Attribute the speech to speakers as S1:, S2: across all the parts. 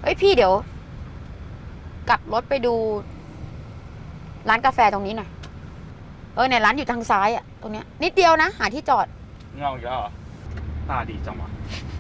S1: ฮ้ยพี่เดี๋ยว กลับรถไปดู ร้านกาแฟตรงนี้หน่อยเนี่ยร้านอยู่ทางซ้ายอะตรงเนี้ยนิดเดียวนะหาที่จอด
S2: เงาอีกแล้วเหรอตาดีจังวะ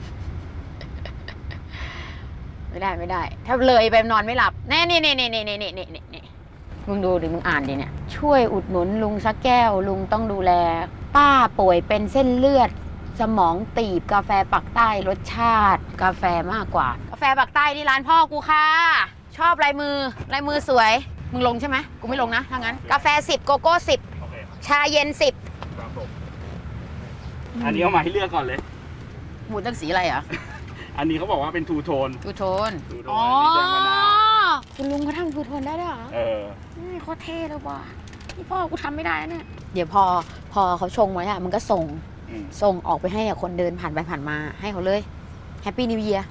S1: ไม่ได้ ถ้าเลยไปนอนไม่หลับแน่นี่มึงดูดิมึงอ่านดิเนี่ยช่วยอุดหนุนลุงสักแก้วลุงต้องดูแล ป้าป่วยเป็นเส้นเลือด สมองตีบกาแฟปักใต้รสชาติ กาแฟมากกว่ากาแฟปักใต้นี่ร้านพ่อกูค่ะชอบลายมือสวยมึงลงใช่ไหมกูไม่ลงนะถ้างั้นกาแฟ10โกโก้10
S2: โอเค
S1: ชาเย็น
S2: ครับผมอันนี้เอามาให้เลือกก่อนเลย
S1: 10หมูตั้งสีอะไรอ่ะ
S2: อันนี้เขาบอกว่าเป็นทูโทน
S1: ทูโทน
S2: ทูโทน
S1: อ๋อ
S2: อันนี้แดงมะนาว
S1: คุณลุงเขาทำทูโทนได้ด้วยเหรอ โคตรเท่เลยว่ะนี่พ่อกูทำไม่ได้เนี่ยเดี๋ยวพอเขาชงไว้อะมันก็ส่งออกไปให้คนเดินผ่านไปผ่านมาให้เขาเลยแฮปปี้นิวเยียร์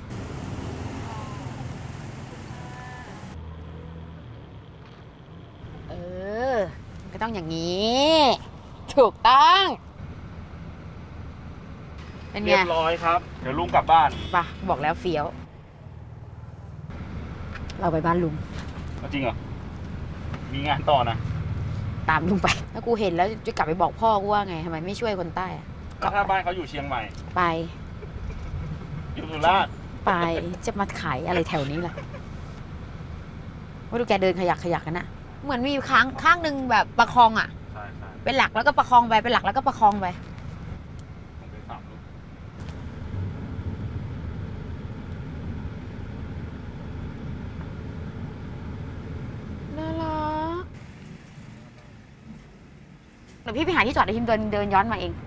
S1: มันก็ต้องอย่างนี้ ถูกต้องเป็นไง
S2: เรียบร้อยครับ เดี๋ยวลุงกลับบ้าน
S1: ป่ะบอกแล้วเฟี้ยว เราไปบ้านลุง
S2: จริงเหรอ มีงานต่อนะ
S1: ตามลุงไปแล้วกูเห็นแล้วจะกลับไปบอกพ่อกูว่าไงทำไมไม่ช่วยคนใต้อะ
S2: แล้วถ้าบ้านเขาอยู่เชียงใหม่
S1: ไป
S2: อยู่สุราษฎร์
S1: ไปจะมาขายอะไรแถวนี้ล่ะว่าดูแกเดินขยักกันนะเหมือนมีข้างหนึ่งแบบประคองอ่ะ
S2: ใช่
S1: เป็นหลักแล้วก็ประคองไปเป็นหลักแล้วก็ประคองไป
S2: ผมไป3 ลูก
S1: น่ารักเดี๋ยวพี่ไปหาที่จอดเดี๋ยวพิมเดินย้อนมาเอง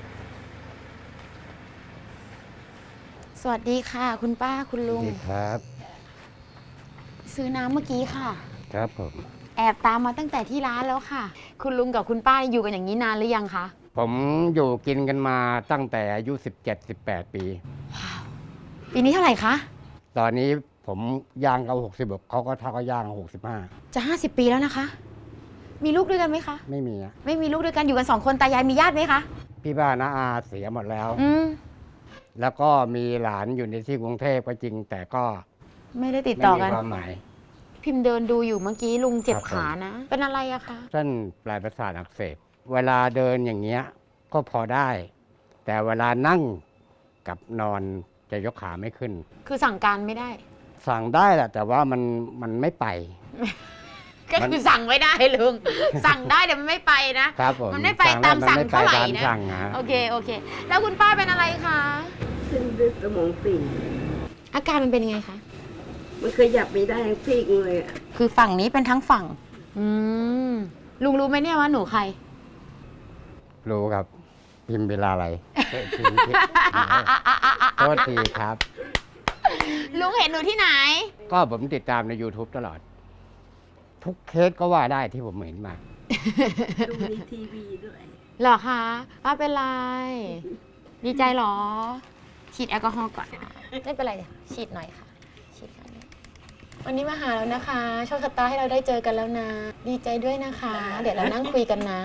S1: สวัสดีค่ะ คุณป้าคุณลุง
S3: ดีครับ
S1: ซื้อน้ำเมื่อกี้ค่ะ
S3: ครับผม
S1: แอบตามมาตั้งแต่ที่ร้านแล้วค่ะ คุณลุงกับคุณป้าอยู่กันอย่างนี้นานหรือยังคะ
S3: ผมอยู่กินกันมาตั้งแต่อายุ 17-18 ปี
S1: ปีนี้เท่าไหร่คะ
S3: ตอนนี้ผมย่างเขา60เขาก็เท่ากับย่าง65
S1: จะ50 ปีแล้วนะคะ มีลูกด้วยกันไหมคะ
S3: ไม่มีอะ
S1: ไม่มีลูกด้วยกันอยู่กัน2 คนตายายมีญาติไหมคะ
S3: พี่บ้านน้าอาเสียหมดแล้ว แล้วก็มีหลานอยู่ในที่กรุงเทพก็จริง แต่ก็
S1: ไม่ได้ติด
S3: ไม่
S1: ต่อ
S3: มี
S1: กัน
S3: ความหมาย
S1: พิมพ์เดินดูอยู่เมื่อกี้ลุงเจ็บ
S3: ครับผม
S1: ขานะ เป็นอะไรอะคะ
S3: เส้นปลายประสาทอักเสบเวลาเดินอย่างเงี้ยก็พอได้ แต่เวลานั่งกับนอนจะยกขาไม่ขึ้น
S1: คือสั่งการไม่ได้
S3: สั่งได้แหละแต่ว่ามันไม่ไป
S1: ก็คือสั่งไม่ได้ลุง สั่งได้แต่มันไม่ไปนะ
S3: ครับผม
S1: มันไม่ไปตามสั่งเท่าไหร่นะ
S3: ตามสั่งฮะ
S1: โอเค แล้วคุณป้าเป็นอะไรคะ
S4: เส้นเลือดสมองตีบ
S1: อาการมันเป็นยังไงคะ
S4: มันขยับไม่ได้ซีกเลยอะ
S1: คือฝั่งนี้เป็นทั้งฝั่ง ลุงรู้ไหมเนี่ยว่าหนูใคร
S3: รู้ครับ พิมพ์เวลาอะไรโทษทีครับ
S1: ลุงเห็นหนูที่ไหน
S3: ก็ผมติดตามใน YouTube ตลอด ทุกเคสก็ว่าได้ที่ผมเห็นมา
S4: ดูในทีวีด้วย
S1: เหรอคะป้าเป็นไร ดีใจเหรอ ฉีดแอลกอฮอล์ก่อน ไม่เป็นไรเดี๋ยวฉีดหน่อยค่ะ ฉีดก่อนวันนี้มาหาแล้วนะคะโชคชะตาให้เราได้เจอกันแล้วนะ ดีใจด้วยนะคะ เดี๋ยวเรานั่งคุยกันนะ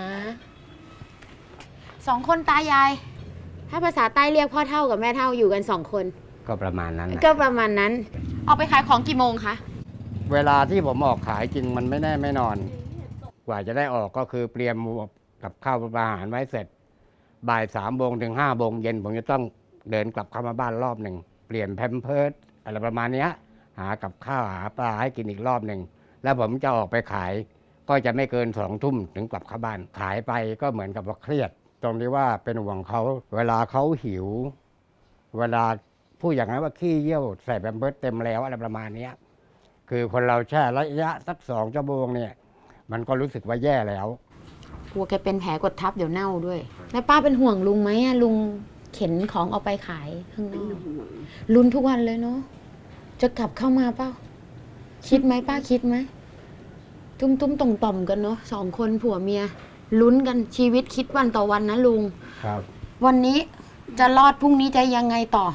S1: 2 คนตายาย ถ้าภาษาใต้เรียกพ่อเท่ากับแม่เท่าอยู่กัน2 คน
S3: ก็ประมาณนั้นนะ
S1: ก็ประมาณนั้น ออกไปขายของกี่โมงคะ
S3: เวลาที่ผมออกขายจริงมันไม่แน่ไม่นอน กว่าจะได้ออกก็คือเตรียมกับข้าวอาหารไว้เสร็จ บ่าย3 โมงถึง5 โมงเย็นผมจะต้องเดินกลับเข้ามาบ้านรอบหนึ่ง เปลี่ยนแพมเพิร์สอะไรประมาณเนี้ย หากับข้าวหาปลาให้กินอีกรอบหนึ่ง แล้วผมจะออกไปขาย ก็จะไม่เกิน2 ทุ่มถึงกลับเข้าบ้าน ขายไปก็เหมือนกับว่าเครียด ตรงที่ว่าเป็นห่วงเขา เวลาเขาหิว เวลาพูดอย่างนั้นว่าขี้เยี่ยวใส่แพมเพิร์สเต็มแล้วอะไรประมาณเนี้ย คือคนเราแช่ระยะสัก2 ชั่วโมงเนี่ย มันก็รู้สึกว่าแย่แล้ว
S1: กลัวแกเป็นแผลกดทับเดี๋ยวเน่าด้วย แล้วป้าเป็นห่วงลุงไหมอะลุงเข็นของเอาไปขายข้างนอกลุ้นทุกวันเลยเนาะ จะกลับเข้ามาเปล่า คิดไหมป้าคิดไหม ตุ้มต่อมกันเนาะ2 คนผัวเมีย ลุ้นกันชีวิตคิดวันต่อวันนะลุง
S3: ครับ
S1: วันนี้จะรอดพรุ่งนี้จะยังไงต่อ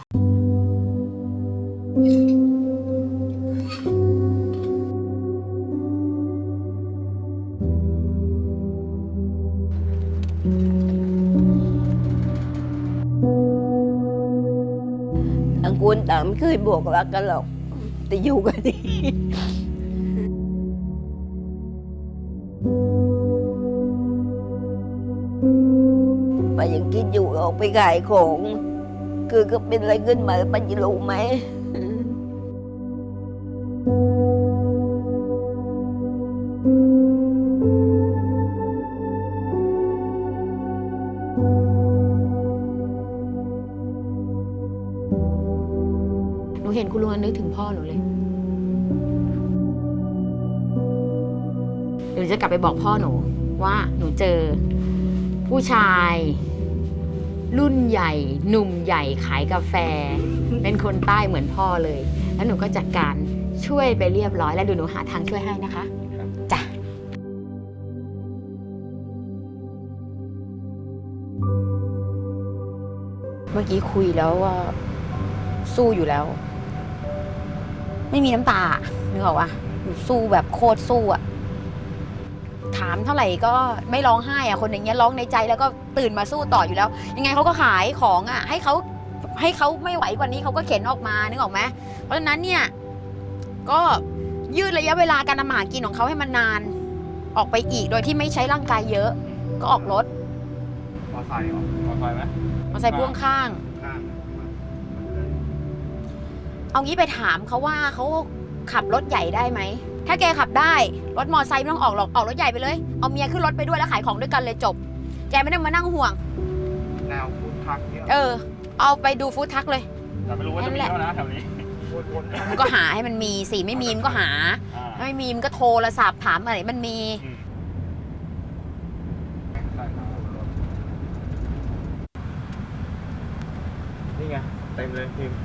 S4: ต่างคนต่างไม่เคยบอกรักกันหรอกแต่อยู่กันดีป้ายังคิดอยู่ออกไปขายของคือก็เป็นอะไรขึ้นมาป้าจะรู้ไหม
S1: หนูเห็นคุณลุงนึกถึงพ่อหนูเลยหนูจะกลับไปบอกพ่อหนูว่าหนูเจอผู้ชาย รุ่นใหญ่ หนุ่มใหญ่ขายกาแฟ เป็นคนใต้เหมือนพ่อเลย แล้วหนูก็จัดการช่วยไปเรียบร้อยแล้วเดูหนูหาทางช่วยให้นะคะจ้ะเมื่อกี้คุยแล้วว่าสู้อยู่แล้ว ไม่มีน้ำตานึกออกปะหนูสู้แบบโคตรสู้อะถามเท่าไหร่ก็ไม่ร้องไห้อะคนอย่างเงี้ยร้องในใจแล้วก็ตื่นมาสู้ต่ออยู่แล้ว ยังไงเขาก็ขายของอะให้เขาไม่ไหวกว่านี้เขาก็เข็นออกมานึกออกไหมเพราะฉะนั้นเนี่ยก็ยืดระยะเวลาการทำมาหากินของเขาให้มันนานออกไปอีกโดยที่ไม่ใช้ร่างกายเยอะ ก็ออกรถ
S2: มอไซค์เหรอมอไซค์ไหม
S1: มาใส่พ่วงข้าง
S2: ข้าง
S1: เอางี้ไปถามเขาว่าเขาขับรถใหญ่ได้ไหม ถ้าแกขับได้รถมอไซค์ไม่ต้องออกหรอกออกรถใหญ่ไปเลย เอาเมียขึ้นรถไปด้วยแล้วขายของด้วยกันเลยจบ แกไม่ต้องมานั่งห่วง
S2: แนวฟู้ดทรัคเนี่ย
S1: เอาไปดูฟู้ดทักเลย
S2: แต่ไม่รู้ว่าจะมีแล้วนะแถวนี้วน
S1: มันก็หาให้มันมีสิไม่มีมันก็หา
S2: ๆ
S1: ไม่มีมันก็โทรศัพท์ถามอะไรมันมี
S2: นี่ไงเต็มเลยพิมพ์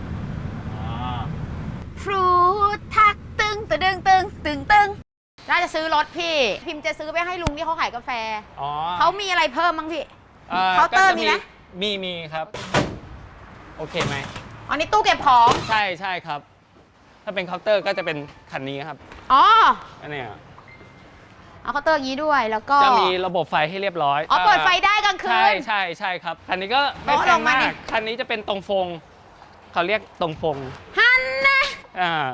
S1: ฟรูดทักตึงตึงตึงตึงตึงน่าจะซื้อรถพี่ พิมพ์จะซื้อไปให้ลุงที่เขาขายกาแฟ
S5: อ๋อ
S1: เขามีอะไรเพิ่มบ้างพี่ เคาน์เตอร์
S5: ก็จะ
S1: มีไหม
S5: มีครับ โอเคไหม
S1: อันนี้ตู้เก็บของ
S5: ใช่ครับ ถ้าเป็นเคาน์เตอร์ก็จะเป็นคันนี้ครับ
S1: อ๋อ
S5: อันเนี้ย
S1: เอาเคาน์เตอร์อย่างนี้ด้วยแล้วก็
S5: จะมีระบบไฟให้เรียบร้อย
S1: อ๋อเปิดไฟได้กลางคืน
S5: ใช่ครับ คันนี้ก็ไม่แพ
S1: ล
S5: ง
S1: งมา
S5: มา
S1: เนี่
S5: ก
S1: ย
S5: คันนี้จะเป็นตรงฟงเขาเรียกตรงฟง
S1: ฮันนะ
S5: อ่า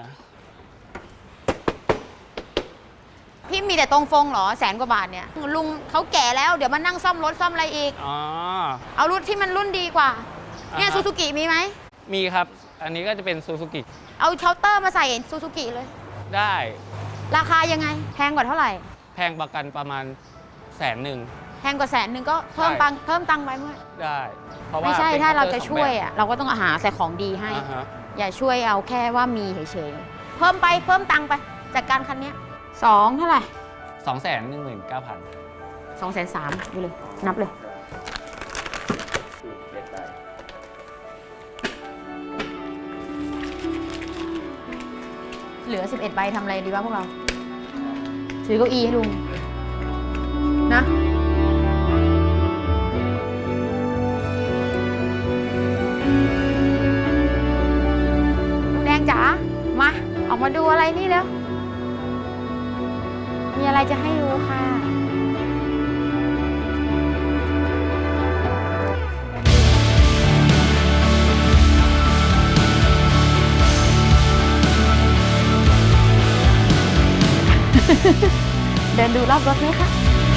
S1: พี่มีแต่ตรงฟงเหรอ100,000 กว่าบาทเนี่ยลุงเขาแก่แล้วเดี๋ยวมานั่งซ่อมรถซ่อมอะไรอีก
S5: อ๋อ
S1: เอารุ่นที่มันรุ่นดีกว่า เนี่ย
S5: อ่าฮะ
S1: ซูซูกิมีไหม
S5: มีครับ อันนี้ก็จะเป็นซูซูกิ
S1: เอาเคาน์เตอร์มาใส่ซูซูกิเลย
S5: ได้
S1: ราคายังไง แพงกว่าเท่าไหร่
S5: แพงประกันประมาณ100,000
S1: แพงกว่า100,000ก็เพิ่ม
S5: ใช่
S1: ตังค์เพิ่มตังค์ไปเมื่อ
S5: ได้ เพราะว่า
S1: ไม่ใช่
S5: ป็น
S1: ถ้าเรา
S5: คน์ต
S1: จะ
S5: อ
S1: ช่วย
S5: สอง
S1: อ่ะเราก็ต้องหาใส่ของดีให้
S5: แบบอ่าฮะ
S1: อย่าช่วยเอาแค่ว่ามีเฉยๆเพิ่มไปเพิ่มตังค์ไปจากการคันเนี้ย2เท่าไหร่
S5: 219,000
S1: 230,000ดูเลยนับเลย เหลือ11ใบทำอะไรดีวะพวกเรา ซื้อเก้าอี้ให้ลุง นะลุงแดงจ๋า มา ออกมาดูอะไรนี่แล้ว มีอะไรจะให้ดูค่ะ เดินดูรอบรถไหมคะ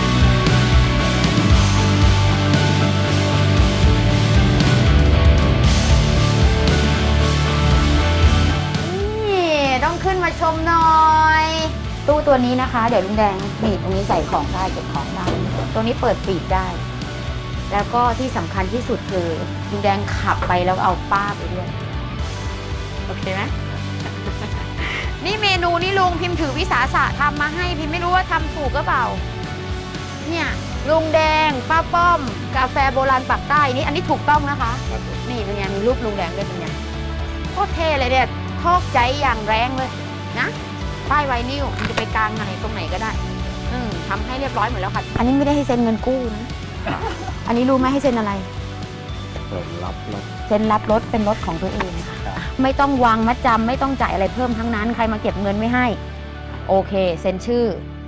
S1: นี่ต้องขึ้นมาชมหน่อย ตู้ตัวนี้นะคะ เดี๋ยวลุงแดงนี่ตรงนี้ใส่ของได้เก็บของได้ตรงนี้เปิดปีกได้ แล้วก็ที่สำคัญที่สุดคือลุงแดงขับไปแล้วเอาป้าไปด้วย โอเคไหม นี่เมนูนี่ลุงพิมพ์ถือวิสาสะทำมาให้พิมพ์ไม่รู้ว่าทำถูกหรือเปล่า เนี่ยลุงแดงป้าป้อม กาแฟโบราณปากใต้นี่อันนี้ถูกต้องนะคะ นี่เป็นไงมีรูปลุงแดงด้วยเป็นไงโคตรเท่เลยเนี่ยทอกใจอย่างแรงเลยนะป้ายไวนิลมันจะไปกลางอะไรตรงไหนก็ได้ทำให้เรียบร้อยหมดแล้วค่ะ อันนี้ไม่ได้ให้เซ็นเงินกู้นะ อันนี้รู้ไหมให้เซ็นอะไร
S3: เปิดรับรถ
S1: เซ็นรับรถเป็นรถของตัวเองค่ะไม่ต้องวางมัดจำไม่ต้องจ่ายอะไรเพิ่มทั้งนั้น ใครมาเก็บเงินไม่ให้ โอเคเซ็นชื่อ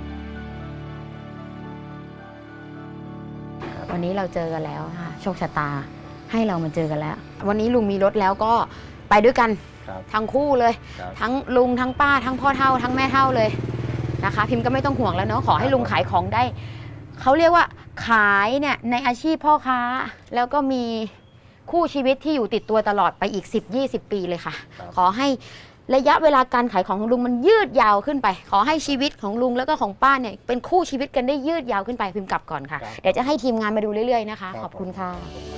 S1: วันนี้เราเจอกันแล้วค่ะโชคชะตาให้เรามาเจอกันแล้ว วันนี้ลุงมีรถแล้วก็ไปด้วยกัน
S3: ครับ
S1: ทั้งคู่เลย
S3: ครับ
S1: ทั้งลุงทั้งป้าทั้งพ่อเฒ่าทั้งแม่เฒ่าเลยนะคะ พิมพ์ก็ไม่ต้องห่วงแล้วเนาะขอให้ลุงขายของได้เขาเรียกว่าขายเนี่ยในอาชีพพ่อค้า แล้วก็มีคู่ชีวิตที่อยู่ติดตัวตลอดไปอีก 10-20 ปีเลยค่ะ
S3: ครับ
S1: ขอให้ระยะเวลาการขายของลุงมันยืดยาวขึ้นไป ขอให้ชีวิตของลุงแล้วก็ของป้าเนี่ยเป็นคู่ชีวิตกันได้ยืดยาวขึ้นไปพิมพ์กลับก่อนค่ะ เดี๋ยวจะให้ทีมงานมาดูเรื่อยๆนะคะ ขอบคุณค่ะ